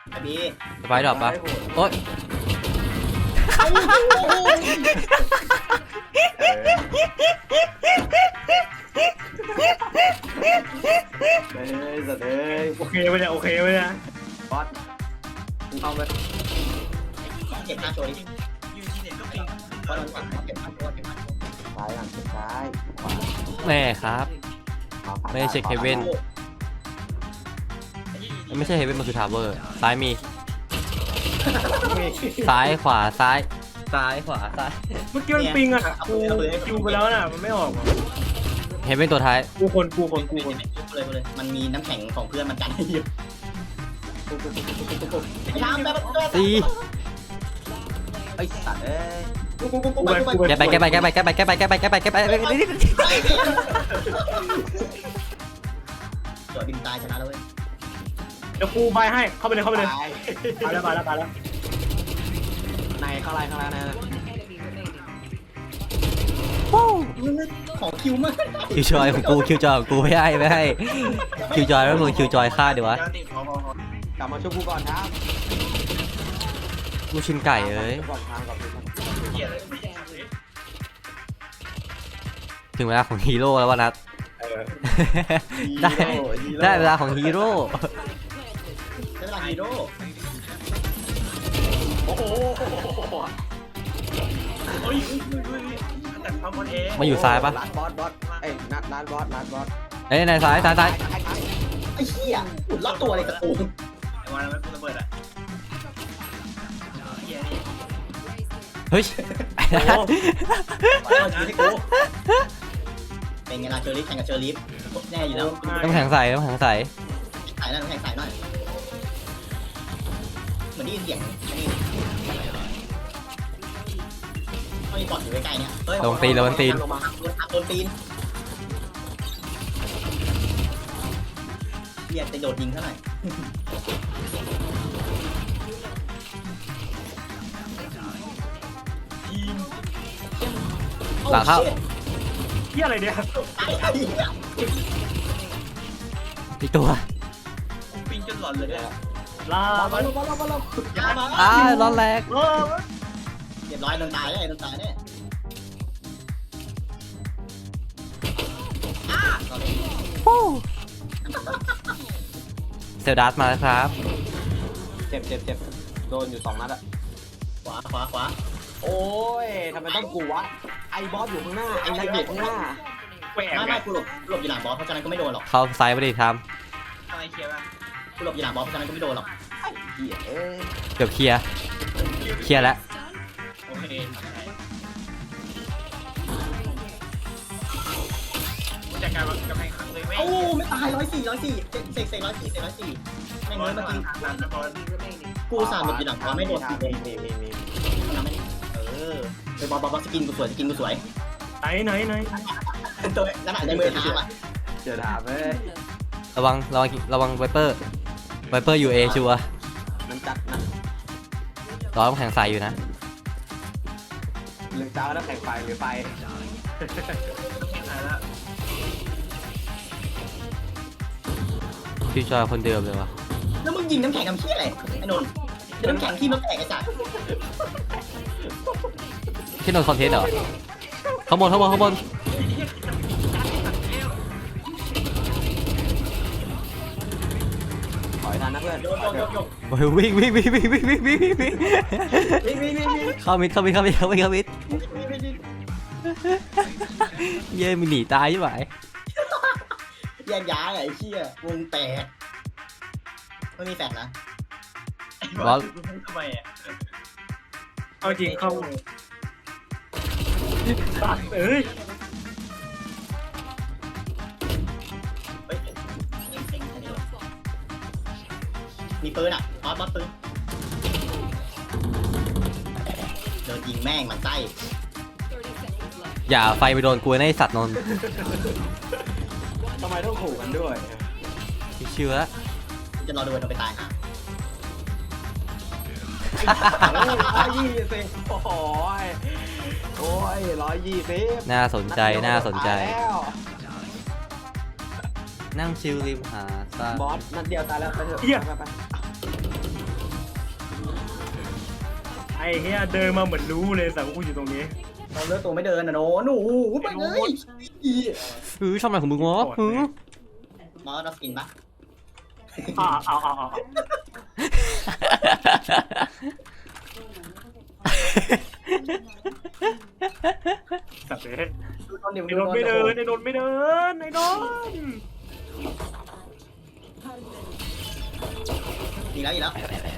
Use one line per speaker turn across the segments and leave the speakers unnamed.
ไอ้บี
สไปดรอปปะโอ๊ย
สัตว์เอ้ย
โอเคไหมเนี่ยโอเคไหมเนี่ย
บอสเอาไป
เก็บหน้าโชว์ดิเพราะเราเก็บหน้าโชว์เก็บหน้าโชว์
ซ้ายหลังซ้ายขวา
แม่ครับ ไม่ได้เช็คเฮเว่น ไม่ใช่เฮเว่นมันคือทาวเวอร์ซ้ายมีซ้ายขวาซ้ายซ้ายขวาซ้าย
เมื่อกี้มันปิงอ่ะกูคิวไปแล้วน่ะมันไม่ออก
เฮเว่นตัวท้าย
กูคน
เลยมันมีน้ำแข็งของเพื่อนมันกันให้เยอะทำแบบ
ตี
ไอ้สัตว์เอ้ย
แกไป
จอดบินตายชนะแล้วเว้ย
เดี๋ยวกูใบให้เข้าไปเลยไปแล้ว
ในข้างในใน
ของคิวมาก
คิวจอยของกูคิวจอยของกูไม่ให้คิวจอยแล้วมึงคิวจอยฆ่าดีวะ
กลับมาช่วยกูก่อนครับ
กูชินไก่เอ้ย
ก่อนทางก่อน
ถึงเวลาของฮีโร่แล้ววะนัทได้เวลาของฮีโร่
ได้เวลาฮีโร่
โอ้โห
มาอยู่ซ้ายปะ
ร้านบอสเอ้ยนัดร้านบอส
เอ้ยในซ้าย
ไอ้เหี้ยหมุนรอบตัวเลยตะกู
เฮ้ย
เป็นไงล่ะเชอร์ลิฟแข่งกับเชอร์ลิฟแน่อยู่แล้ว
น้ำแข็งใส
ใส่หน่อยน้ำแข็งใส่หน่อยเหมือนได้ยินเสียงนี่เขามีบอดอยู่ใกล้ๆเนี่ย
ลงตีน
โดนตีนเรียกจะโดดยิงเท่าไหร่
หลังเข้า
ที่อะไรเนี่ย
อีกตัว
ปิงจนหลอนเลยเนี่ย
ลา
ร้อนแรง
เรียบร้อยโดนตายเลยโดนตายเนี่ย
เซลดัสมาแล้วครับ
เจ็บโดนอยู่2 นัดอะ
ขวา
โอ้ยทำไมต้องกูวะไอ้บอสอยู่ข้างหน้าไอ้นักอยู่ข้างหน้า
แหวก
ไม่กูหลบอยู่หลังบอสเพราะฉะนั้นก็ไม่โดนหรอก
เข้าซ้ายไปดิท
อะไรเคลียร์ป่ะกูหลบอยู่หลังบอสเพราะฉะนั้นก็ไม่โดนหรอก
เหี้ยเอ้ย
ำเกือบเคลียร์แล้ว
โอเคจัดการกับแพงครั้งเลยโอ้ไม่ตาย104เสก104แม่งเลยเมื่อกี้กูสามหลบอยู่หลังบอสไม่โดนตีเลย
มี
ไปบอสสกินกูสวย
ไหน
ตัวนั่นแหละในมือท้าว่ะ
เจอดาบเอ้ย
ระวังไวเปอร์อยู่เอชัวร์
มันจัดนะ
ร้อนน้ำแข็งใสอยู่นะ
เรื่องเจ้าแล้วแข่งไฟหรือไฟ
คิวจอยคนเดิมเลยวะ
แล้วมึงยิงน้ำแข็งทำเพี้ยอะไรไอ้นนท์น้ำแข็งที่มันแตกไอ้สัส
ที่นนคอนเทนต์เหรอข้างบน
ถอยทันนะเพื่อน
โยก
โอ้ยวิ่งเข้ามิดเย้มันหนีตายใช่ไหม
แยกย้ายไอ้เชี่ยวงแตกไม่มีแฟนนะ
บอส
ทำไมอ่ะ
เอาจริงเข้าตัดเอ้ย
มีปืนอ่ะบอสปืนโดนยิงแม่งมันไส้
อย่าไฟไปโดนกูนะไอสัตว์นนท์
ทำไมต้องขู่กันด้วย
เชื่อ
จะรอดูมันไปตายฮะ
120โอ้ย120
น่าสนใจนั่งชิลริมหาดทราย
บอสนัดเดียวตายแล้วไปเถอะไป
อ้เฮียเดินมาเหมือนรู้เลยสังกูอยู่ตรงนี้
เราเลือกตัวไม่เดินนะโนหนูไปเลย
ชอบอะไรของมึงวะ
มอสเรากินปะ
เอาสับเลย
ดูตอนเดี๋ยว
ไอ้นนไม่เดินไอ้นนไม่เดินไอ้นน
อีกแล้ว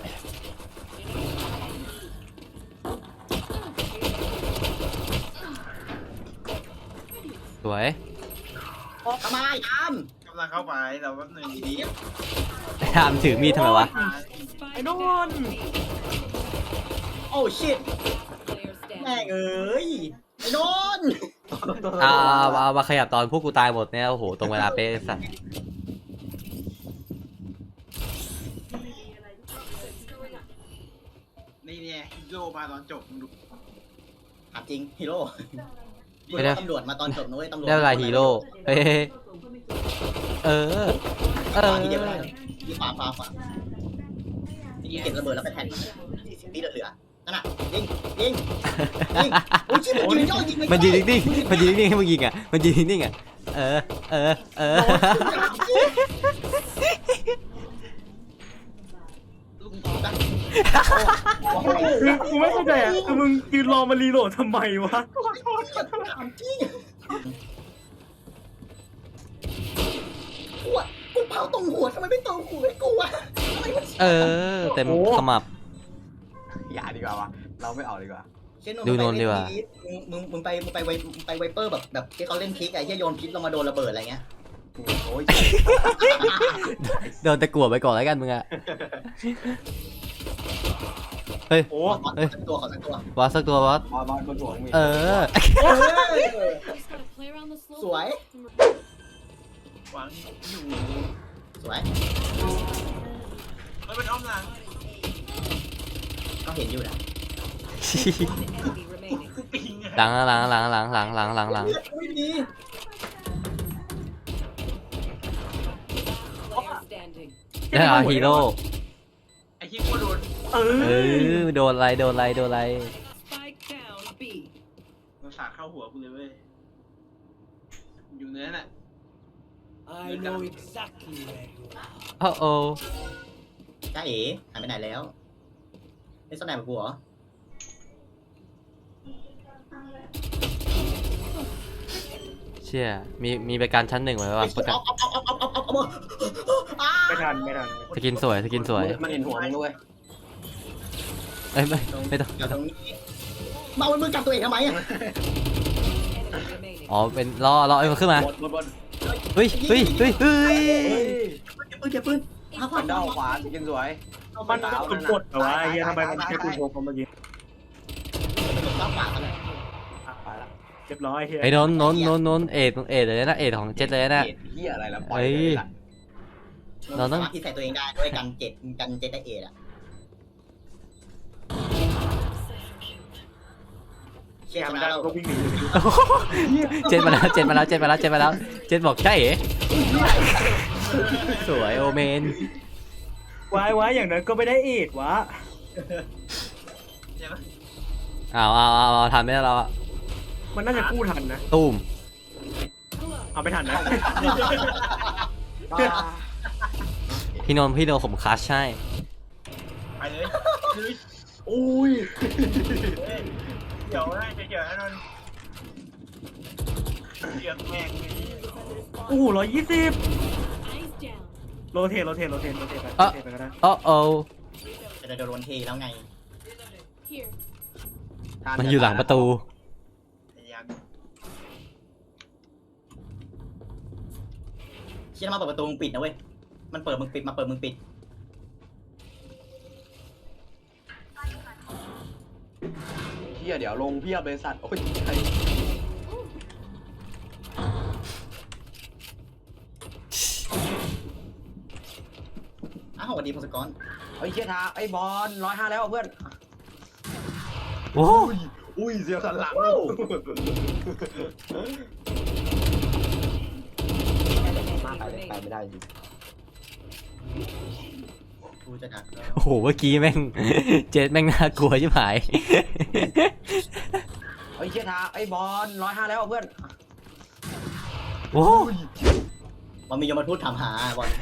สวย
ทำไมท
กำลังเข้าไปเราแป๊บนึงดี
ทามถือมีดทำไมวะ
ไอ้นน
ำโอ้ชิตแม่งเอ้ยไอ้นน
เอามาขยับตอนพวกกูตายหมดเนี่ยโอ้โหตรงเวลาเป๊ะสัตว์
นี่เนี่ยฮีโร่มาตอนจบมึงดู
ถามจริงฮีโร่ตำรวจมาตอนจบนุ้ยตำรวจ
ได้เวลาฮีโร่เฮ้ย
ทีเดียวเลยที่ขวาที่เก็บระเบิดแล้วไปแทนที่เหลือนั่นน่ะยิงโอ้ยชิบยิงย่อยิง
มันยืนนิ่งๆมันยืนนิ่งๆให้มึงยิงอ่ะมันยืนนิ่งๆอ่ะ
คือกูไม่เข้าใจอ่ะคือมึงยืนรอมารีโหลดทำไมวะ
ถามจริงกูเผาตรงหัวทำไมไม่ตรงหัวให้กูอะ
เต็มขมับ
อย่าดีกว่าวะเราไม่ออกดีกว่า
ดูนนดีกว่า
มึงไปไวเปอร์แบบที่เขาเล่นพิกไอ้ที่โยนพิษลงมาโดนระเบิดอะไรเงี้ย
โอ้ย
โดนตะกั่วไปก่อนแล้วกันมึงอ่ะเฮ้ย
โอ้
ขอสักตัว
วอสสักตัววอส
บอลบนหัวมึง
สวย
หวังอยู่
สวย
มันเป็นอ้อมหลัง
ก็เห็นอยู่นะ
ปิงอะ
หลัง
ไม่มี
ได้ฮีโร่
ไอ้ที่กูโดน
โดนอะไร
มันสาดเข้าหัวกูเลยเว้ยอยู่เนื้อน่ะ
I know exactly where you are.
โอ้
จ้าเอ๋หายไปไหนแล้วไม่สนใจกับกูเหรอ
เชี่ยมีประกันชั้นหนึ่งไว้ป่ะประกัน
ไม่ทัน
สกินสวย
มันเห็นหัวมึงด้วย
เอ้ยไม่ต้อง
ตรงนี้มาเอามือจับตัวเองทำไมอ่ะ
อ๋อเป็นรอไอ้มันขึ้นมา
บน
เฮ้ย
เก็บปืน
ฟันด้าขวายิงสวย
มันกดแต่ว่าไอ้เฮียทำไมมันแค่กูโชว์เขาเมื่อกี้
ข้าวปากกันเลย
ไปละ
เรียบร้อยเฮีย
ไอ้นนเอ็ดเลยนะเอ็ดของเจ็ดเลยนะ
เฮียอะไรล่ะปล่อยเลยล่ะ
เราต้องที่ใส่ตัวเองได้ด้วยกันเจ็ดได้เอดอ่ะเชี่ยช
มัน
นะ
ได้
เรา
ก็วิ่งหนี
เจ็ดมาแล้วเจ็ดบอกใช่เอ๋สวยโอเมน
ไว้อย่างนั้นก็ไม่ได้เอ็ดวะ
ใช่ไหม
เอาทันไม่ได้เราอะ
มันน่าจะกู้ทันนะ
ตูม
เอาไม่ทันนะ
พี่นนท์ผมคัชใช่
ไปเลย
อุ้ย
เดี๋ยวนะเดี๋ยวนะนนเดี๋ยวแม่ง
โอ้โห120โรเทตไปก็ได้
โอ้
จะโดนเทแล้วไง
มันอยู่หลังประตู
ยัง
เชี่ยมาเปิดประตูมึงปิดนะเว้ยมันเปิดมึงปิดมาเปิดมึงปิด
เฮียเดี๋ยวลงเพียบเลยสัตว์โอ้ย
อ้าวสวัสดีพงศกร
ไอ้เฮียทาไอ้บอล105แล้วเพื่อน
โอ้
อุ้ยเสียสันหลังมากไปไม่ได้จริง
กูจะดัก
โอ้โหเมื่อกี้แม่ง เจ็ดแม่งน่ากลัวชิบหาย
ไอ้เชี่ยทาไอ้บอล105แล้วเพื่อน
โอ้
มันมียมทูตถามหาบอล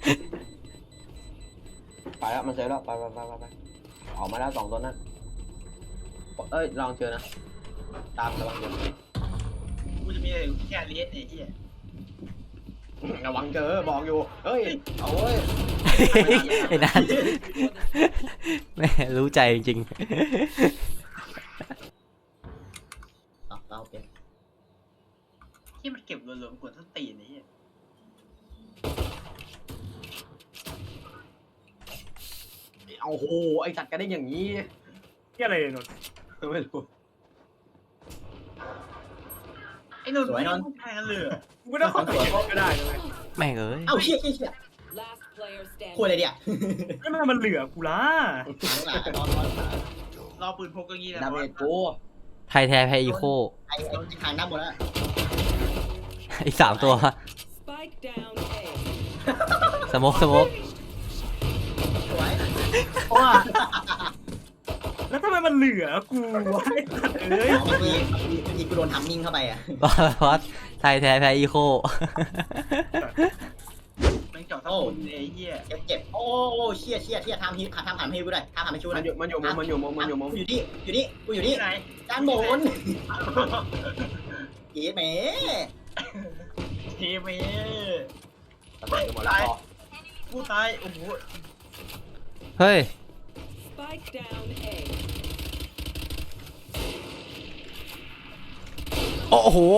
ไปแล้วมันเซฟแล้วไปออกมาแล้ว2ตัวนั้นเอ้ยลองเจอนะตามระวังเจอ
กูจะมีแค่เลียสไอ้เหี้ย
ระวังเจอบอกอยู่เฮ้ยเอาเว้ย
ไอ้นั่นแม่รู้ใจจริง
เราโอเค
ที่มันเก็บรวมๆกดส้นตีนไอ้เหี้ย
เอาโหไอ้สัตว์กันได้อย่างนี้
ที่อะไรนนท์
ไม่รู้
ไอ้นนท์ไม่ได้แทงกันเลย
กูไม่ต้องเข้าใจก็ได้เลย
ๆแม่งเอ้ย
เอ้าเชี่ย
Last player
คุย
standing.
อะไรเดียว
ไม่มามันเหลือกูละ
รอปืนพกก็งี้นะ
ดาเมจกู
ไทยแท้แพ้อีโค
ไอ้ทางด้านบนแล้ว
อีก3 ตัว
Spike down A.
สโมก
สวย
ว่าแล้วทำไมมันเหลือกูวะไอ้สัตว์เอ้ย
เมื่อกี้กูโดนทำมิ่งเข้าไปอ่ะ
บอสไทยแท้แพ้อีโค
มันเจาะทั้งคนไอ้เหี้ย
เจ็บโอ้เชี่ยทำหันให้กูได้ทำหันให้ชู
มัน
นะ
อยู่มุม
อยู่นี่กูอยู่นี่
ที่ไหน
ด้านบนกีดแหม
ทีเม
ตายหมดแล้ว
กูตายโอ้โห
เฮ้ย
Spike down A.
โอ้โห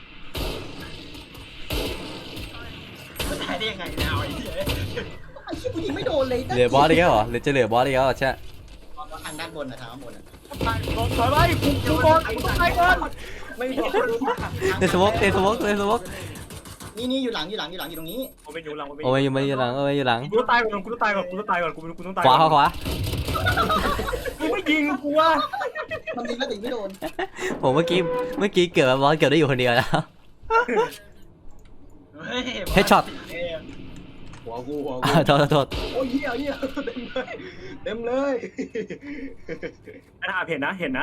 มันตายได้ยังไงเนี่ยไอ้เหี้ย
ไอ้ชี่กูยิงไม่โดนเลย
เหลือบอสอีกแล้วเหรอหรือจะเหลือบอสอีกแล้วเหรอใช่
ทางด้านบนนะทางด้านบนอ่ะ
ถอยไปกูบอลกูต้องไปก่อน
ไม่โดน
เตะสโมก
นี่อยู่หลังอยู่ตรงนี้
ผมเป็นอยู่หลัง
โอ้ยอยู่หลังอยู่หลัง
กูต้องตายก่อนกูต้องตายก่อนกูต้องตาย
ขวาขวา
กูไม่ยิงกูว่ะ
มันยิงแล้วแต่ไม่โดน
ผมเมื่อกี้เกือบบอสเกือบได้อยู่คนเดียวแล้ว
เฮ้ย
Headshot
หัวกู
โทษ
โอ้ยเหี้ยเต็มเลย
ไอ้ทาเห็นนะ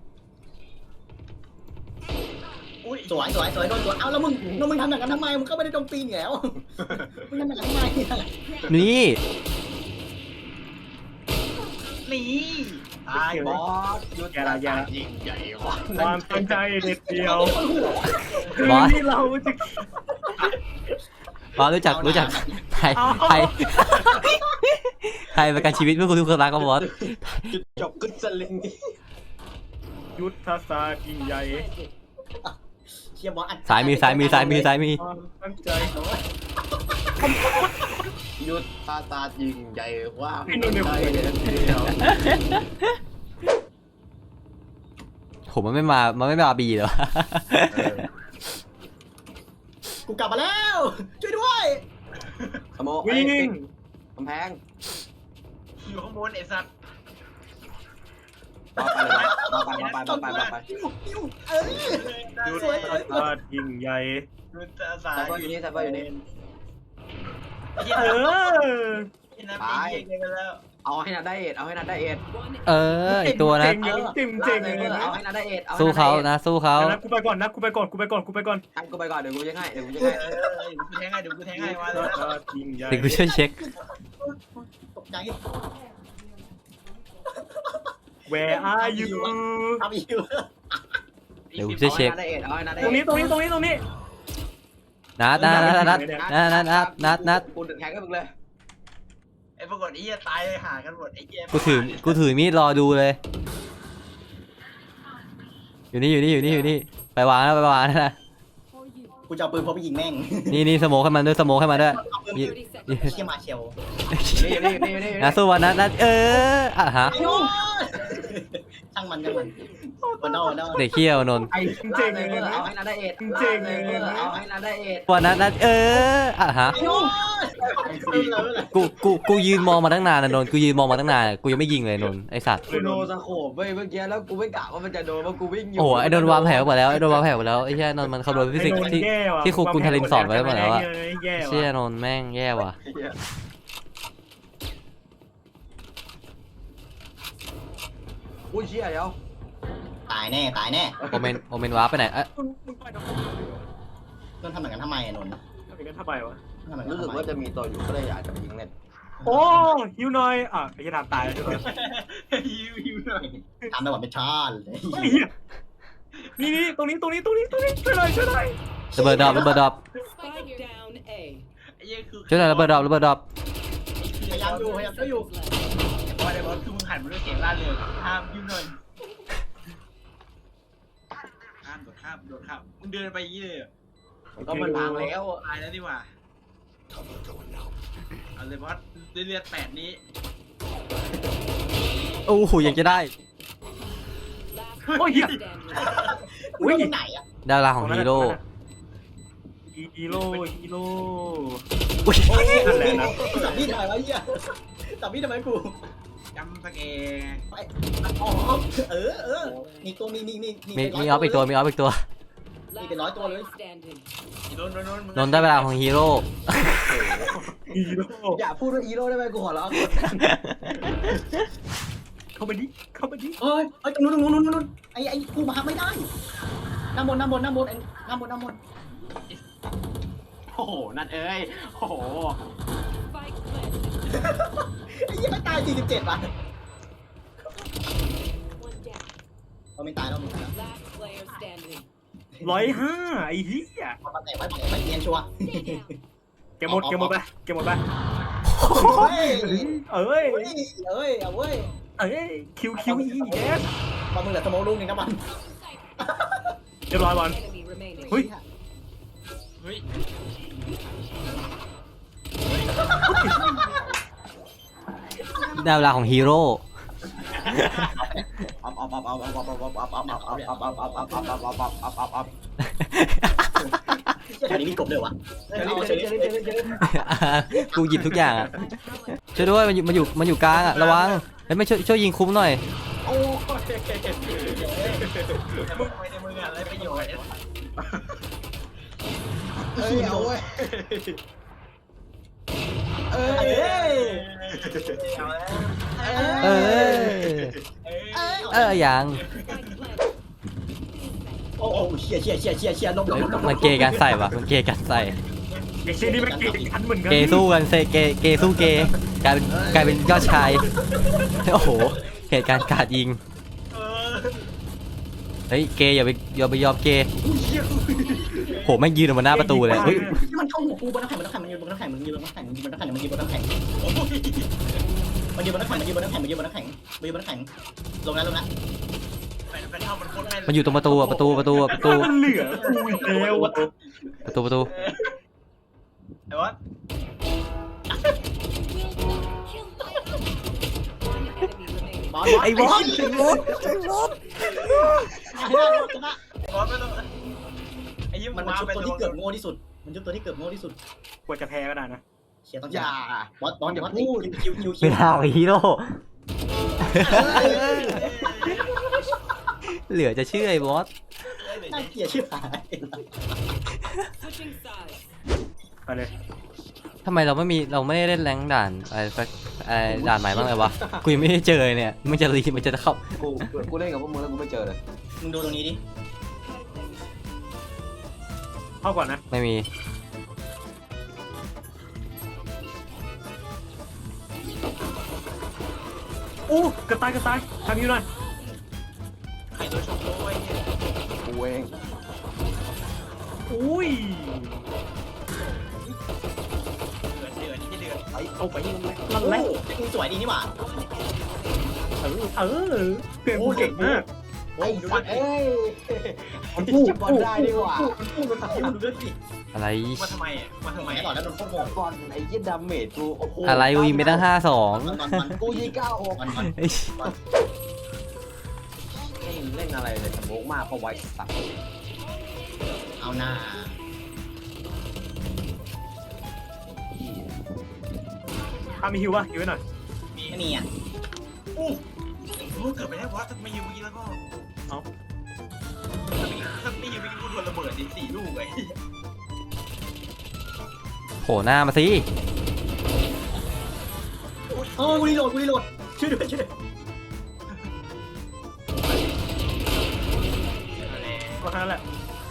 อุ้ย
สวยโดนเอาแล้วมึงทำอย่างนั้นทำไมมึงก็ไม่ได้ตรงตีนแล้วมึงทำอย่างนั้นทำไม
นี่
นี่ตาย
บอสยุดยิงใหญ่กว่า
ความตั้งใจเด็ดเดียว
บอส
ที่เราจะ
บอสรู้จักไทยประกันชีวิตเพื่อคุณทุกคนรักก็บอส
จบกึศลิง
ยุทธศาสตร์ยิ่งใหญ่
เชียร์บอลอัด
สายมี
ความตั้งใจ
ยุทธศาสตร์ยิ่งใหญ่ว่าใจเดียว
ผมมันไม่มาบีเหรอ
กูกลับมาแล้วช่วยด้วย
สมอง
วิ่ง
กำแพง
อยู่ข้างบนไอ้สัตว์
มาไป
เออ
ยุทธ
สวย
ศาสตร์ยิ่งใหญ่
ยุทธศาสต
แต่
ร์
ก็อยู่นี่
ไอ้เหี้ย
เออ
ที่น้ำไอ้เหี้ยกันแล้ว
เอาให้นาได้เอ็ด
One
อีกตัวนะ
เจ๋ง
เอาให้นาได้เอ็ด
สู้เขานะสู้เขา
กูไปก่อน
กูไปก่อนเดี๋ยวกูจะให้
เดี๋ยวกูแทงให้มาเลย
ศาสตร์ยิ่งใหญ่
เดี๋ยวกูช่วยเช็ค
ตกใจ
Where are you
ทำอีก
เดี๋ยวกูช่วยเช็ค
เอาให้นาได้
ตรงนี้
นัด
กูดึงแทงให้มึงเลย
ไอ้ปรากฏไอ้เหี้ยตายหากันหมดไอ้เหี้ย
กูถือมีดรอดูเลย อยู่นี่ไปวางนะ
กูจะเอาปืนพกไปยิงแม่ง
นี่สโมกให้มันด้วย
30 seconds.
เชี่ยมาเชล
นี่
นะสู้วันนัดอ่ะฮะ
ช่างมันวันนอก
เด็กเขี้ยวนน
ไอ้เจ๋งเลยเอาให้นาได้เอ็ดเอาให้นาได้เอ็ด
วันนัดอ่ะฮะกูยืนมองมาตั้งนานนะนนกูยืนมองมาตั้งนานกูยังไม่ยิงเลยนนไอสัตว์
กูโดนสโคบเว้ยเมื่อกี้แล้วกูไม่กะว่ามันจะโดนเพราะกูวิ่งอยู่
โอ้ไอโดนวางแผลหมดแล้วไอแค่นนมันคำนวณฟิสิกส์ที่ครูคุณทารินสอนไว้หมดแล้วอะเชี่ยนนแม่งแย่ว่ะ
อุ้ยเชี่ยเดี๋ยว
ตายแน่ตายแน่
โอเมนวาร์ปไปไหนเอ๊ะ
มึงไปทำไม
นนท์ทำแบบนั้นทำไมอะนนท์
ทำอย่างนั้นทำไมวะ
ทำแบบนั้น
รู้สึก
ทำไม
ว่าจะมีตัวอยู่ก็เลยอยากจะยิงเล่น
โอ้ฮิวหน่อยอ่ะไอ้จะทำตายแล้วใช่ไหม
ยิวหน่อย
ทำแบบว่าเป็นชาติเลย
ไอ้เหี้ยนี่ตรงนี้ช่วยหน่อย
ระเบิดดรอป
Spike down A.
ไอ้เหี้ยคือ
ช่วยหน่อยระเบิดดรอป
พยายามอยู่ช่วยอยู่
บอลไอ้บอลคือมึงหันมาด้วยเสียงล่าเริงห้ามยิวหน่อยห้ามโดดข้ามมึงเดินไปยี่เลย
ก็มันพังแล้ว
ตายแล้วดีกว่าเอาเลยบอสเลือด8นี้
โอ้โหยังจะได้
Last
Oh, yeah.
player standing.
อุ้ยไหนอะ
ดาราของฮีโร่
ฮีโร่
อุ้ย
นั่นแหละนะ
สับพี่ทำไมวะเหี้ยสับพี่ทำไมกู
จำสเก
ไปอ๋อมีตัวมี
มีออฟอีกตัว
Last
Even nói to
player
luôn.
standing.
โดน
นนท์ได้เวลาของฮีโร่
ฮีโร่
อย่าพูดว่าฮีโร่ได้ไหมกูขอร้อง
เข้ามาดิ
เฮ้ยตรงนู้นไอ้กูมาไม่ได้น้ำบน
โอ้โหนั่นเอ้ยโอ้โห
Spike planted.
ไอ้ยี่ไม่ตาย47ป่ะ
One down.
เขาไม่ตายแล้วมึง
Last player standing.
105ไอ้เหี้ย
มาแต่ไว้เนียนชัวร์
เกมหมดไป
เฮ้ย
เอ้ย
เอาเว้ย
คิวเยส
บอลมึงเหลือสโมลูกนึงนะบอล
เรียบร้อยบอล
Enemy remaining.
เฮ้ย
เฮ้ย
ได้เวลาของฮีโร่
แถวนี้มีกบเลยวะ
กูหยิบทุกอย่างอ่ะช่วยด้วยมันอยู่กลางอ่ะระวังเฮ้ยไม่ช่วยยิงคุ้มหน่อย
โอ้ยมึงไม่ได้มึงอะไรประโยชน์
เฮ้ยเอาเว้ย
เอ้ย
ยัง
Spike planted.
โอ้เชี่ยลบ
มันเกย์กันใส่ปะมันเกย์กันใส่
ไอ้เชี่ยนี่มันเก่งกันเหมือนกัน
เกย์สู้กันเกย์สู้เกย์กลายเป็นยอดชายโอ้โหเหตุการณ์กราดยิงเฮ้ยเกย์อย่าไปยอมเกย์โหแม่งยืนออกมาหน้าประตูเลยเฮ้ย
มันเข้าหัวกูบนน้ำแข็งมันยืนบนน้ำแข็งมันยืนบนน้ำแข็งมันยืนบนน้ำแข็งมันยืนบนน้ำแข็งลงแล้ว
มันอยู่ตรงประตูอ่ะประตู
มันเหลือกูอีกแล้วอะ
ประตู
ไอ้วะ
One enemy remaining.
ไอ้บอล
บอสไม่ต้องไอ้ยิ้ม
มัน
มา
ชุด
เป็น
ตัวที่เกือบโง่ที่สุดมันชุดตัวที่เกือบโง่ที่สุด
กว่าจะแพ้ก็ได้นะ
เชียร์ต้อง
อย่า
บอสอย่าพูดคิว
เวลาของฮีโร่เหลือจะเชื่อไอ้บอส
น่าเกลียดชื่อหาย
Switching sides.
ไปเลย
ทำไมเราไม่ได้เล่นแรงด่านอะไรสักด่านใหม่บ้างเลยวะกูยังไม่ได้เจอเนี่ยมันจะเข้า
กูเล่นกับพวกมึงแล้วกูไม่เจอเลย
มึงดูตรงนี้ดิ
เข้าก่อนนะ
ไม่มี
อู้กระต่ายทำอยู่หน่อย
ใครตัวชมโอ้ย
กูเอง
อุ้ย
เดือดนี่เดือด
เอาไปนั่นแหละ
มึงสวยดีนี่หว่า
เพื่อนกูเก่งมาก
ไอ้สัตว์เอ้ยจับบอลได้ดีกว่า
ดูด้วยสิ
อะไร
มาทำไมอ่ะมาทำไม
ไม่ต่อแล้วโดนโคตรโง่
บอลไอ้ยี่ดาเมจกูโอ้โห
อะไรกูยิงไปตั้ง 5-2
กูยิง9-6
เอ้ย
เล่นอะไรเลยสโมกมากเพราะไว้สัตว์
เอาหน้า
มีฮิวป่ะฮิวไว้หน่อย
ไม่มีอ่ะ
รู้เกิดไปได้วะถ้าไม่ยิงเมื่อกี้แล้วก็
เอา
ถ้าไม่ยิงเมื่อกี้กูโดนระเบิด4 ลูกไอ้
โผล่หน้ามาสิ
โอ้กูรีโหลดช่วยด้วย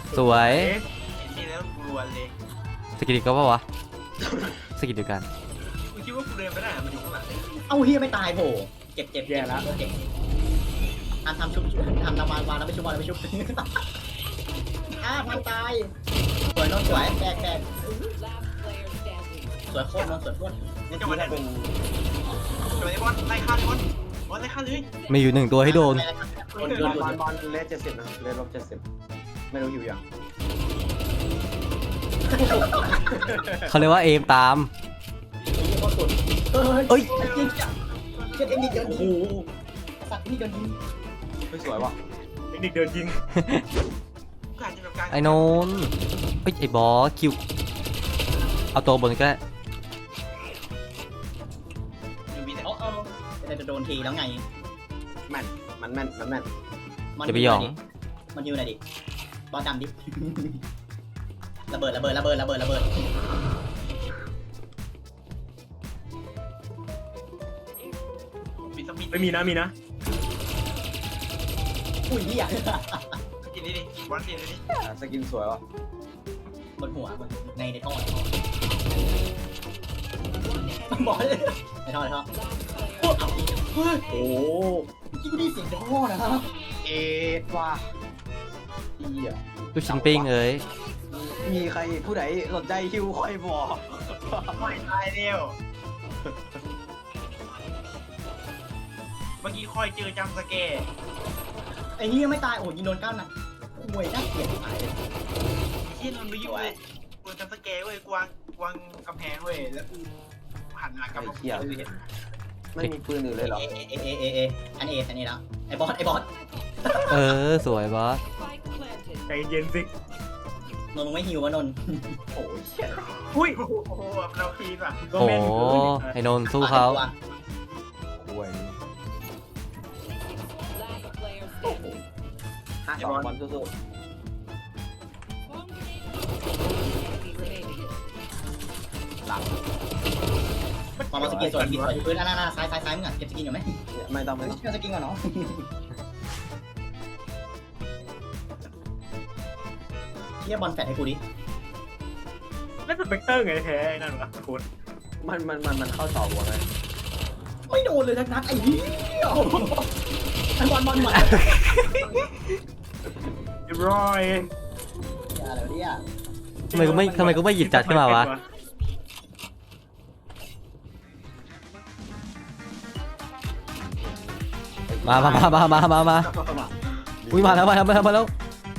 สวย
นี่แล้วกูรวนเลย
สกิลก็ปะวะสกิลเดียวกัน
กูคิดว่ากูเดินไปได้มันอยู่ข้างหลัง
เอาเฮียไม่ตายโผเจ็บเจ็บเจ็บแล้วเจ็บทำชุบทำวานแล้วไม่ชุบบอลแล้วไม่ชุบพันตายสวยนนสวยแบก
Last player standing.
สวยโคตรนนสวยโคตร
นี่จังหวะนั้นจังหวะนี้บอลไล่ฆ่าเลยบอลไล่ฆ่าเลย
มีอยู่1ตัวให้โดน
บอลเลส70นะเลสลบ70ไม่รู้อยู่ยัง
เขาเรียกว่าเอมตาม
เฮ้ยจริงจังเช็ดเอ็นดิเดินโอ้โหสัตว์นี่เดินยิง
ไม่สวยว่ะ
เทคนิคเดินยิง
กูอาจจะแบบการ
ไอ้โนนเอ้ยไอ้บอสคิวเอาตัวบนก็ได้
อยู่บีแต่
แต่จะโดนทีแล้วไง
แม่นมันแม่น
จะไปหยอง
มันยิวหน่อยดิบอลดำดิระเบิด
บีสปีด
ไม่มีนะมีนะ
อุ้ยเฮีย
กินนี่ดิบอลกินเลยดิ
สกินสวยว่ะ
บนหัวในท่อ
One
บอล
enemy.
ในท่อ
Last player.
เฮ้ย
โอ้
ที่กูได้เสียงในท่อนะครับ
เอ็ดว่ะเหี้ย
ลูกชิ้นปิ้งเอ้ย
มีใครผู้ใดสนใจฮิวค่อยบอก
ไม่ตายเร็วเมื่อกี้คอยเจอจำสแกร์
ไอ้เฮียไม่ตายโอ้ยิงโดนก้าวนะห่วยน่าเกลียดหายเลย
ที่นนไปอยู่กูจำสแกร์เว้ยกวางกำแพงเว้ยแล้วกูหันหลังกลับมา
ไม่มีปืนอื่นเลยเหรอ
อันเอแล้วไอ้บอส
เออสวยบอส
Spike planted.
ใจเย็นสิ
นนท์ไม่หิววะนนท์
โอ้ยเชี่ย
อุ้ย
โอ้โหเราคีนว่ะ
ก็
โอ้
แม่น
ไอ้โนนสู้เขา
ห่วย
Last player standing.
52บอลสู้
Enemy remaining.
ๆหลัง
มาสกินสวยพื้นหน้าซ้ายมึงอ่ะเก็บสกินอยู่ไหม
ไม่ต้อง
ไม่เชื่อสกินก่อนเนาะเฮียบอลแฟดให้กูดิ
แล้วสเปกเตอร์ไงแท้ไอ้นั่นวะโคตร
มันเข้าต่อหัวไง
ไม่โดนเลยนักไอ้เหี้ยไอ้บอล
เรียบร้อย
อะไรเนี่ย
ทำไมกูไม่หยิบจัดขึ้นมาวะมาอุ้ยมาแล้ว
มาเร็ว
มาละมาละ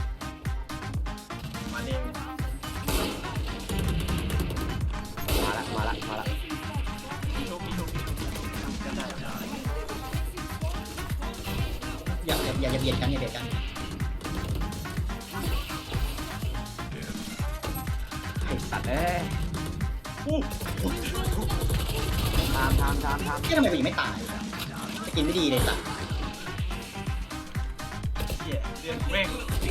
พี่ทุบจะได้
อย่าเบียดกัน
ไอ้สัตว์เอ้ยทาม
เฮียทำไมกูยังไม่ตายสกินไม่ดีเลยสัตว์
เหี้ยเดือนแม่ง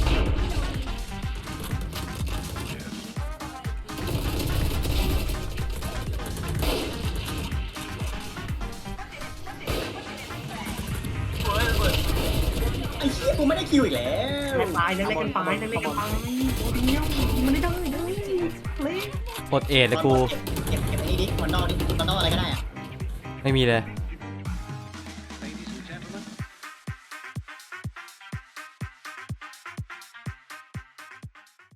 ไอ้เฮียกูไม่ได้คิวอีกแล้ว
ตายเล่นกันไปตัวเดียวมันได้เลย
ปลดเอทเลยกู
เก็บอันนี้ดิมอนดอลอะไรก็ได้อะ
ไม่มีเลย